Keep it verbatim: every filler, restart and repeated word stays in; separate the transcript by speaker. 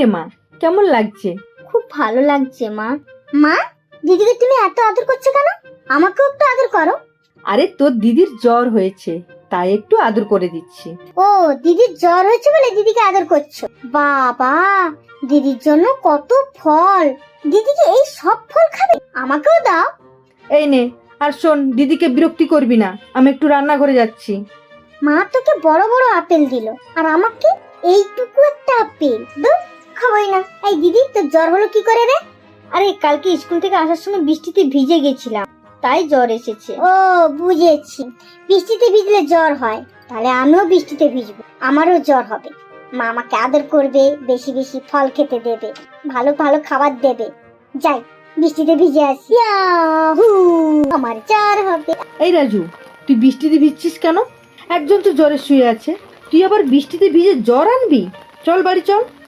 Speaker 1: রে মা, কেমন লাগছে?
Speaker 2: খুব ভালো লাগছে মা। মা, দিদিকে তুমি এত আদর করছো কেন? আমাকেও একটু আদর করো।
Speaker 1: আরে তোর দিদির জ্বর হয়েছে, তাই একটু আদর করে দিচ্ছি।
Speaker 2: ও, দিদির জ্বর হয়েছে বলে দিদিকে আদর করছো? বাবা, দিদির জন্য কত ফল। দিদিকে এই সব ফল খাবে? আমাকেও দাও।
Speaker 1: এই নে, আর শোন, দিদিকে বিরক্তি করবি না, আমি একটু রান্নাঘরে যাচ্ছি।
Speaker 2: মা তোকে বড় বড় আপেল দিল, আর আমাকে এইটুকু একটা আপেল। দূর, খাবোই না। এই দিদি, তোর জ্বর হলো কি করে রে? আরে কালকে স্কুল থেকে আসার সময় বৃষ্টিতে ভিজে গেছিলাম, তাই জ্বর এসেছে। ও বুঝেছি, বৃষ্টিতে ভিজলে জ্বর হয়। তাহলে আমিও বৃষ্টিতে ভিজবো, আমারও জ্বর হবে। মা আমাকে আদর করবে, বেশি বেশি ফল খেতে দেবে, ভালো ভালো খাবার দেবে। যাই, বৃষ্টিতে ভিজে আসি। ইয়াহু, আমার জ্বর হবে।
Speaker 1: এই রাজু, তুই বৃষ্টিতে ভিজছিস কেন? একজন তো জ্বরে শুয়ে আছে, তুই আবার বৃষ্টিতে ভিজে জ্বর আনবি? চল বাড়ি চল।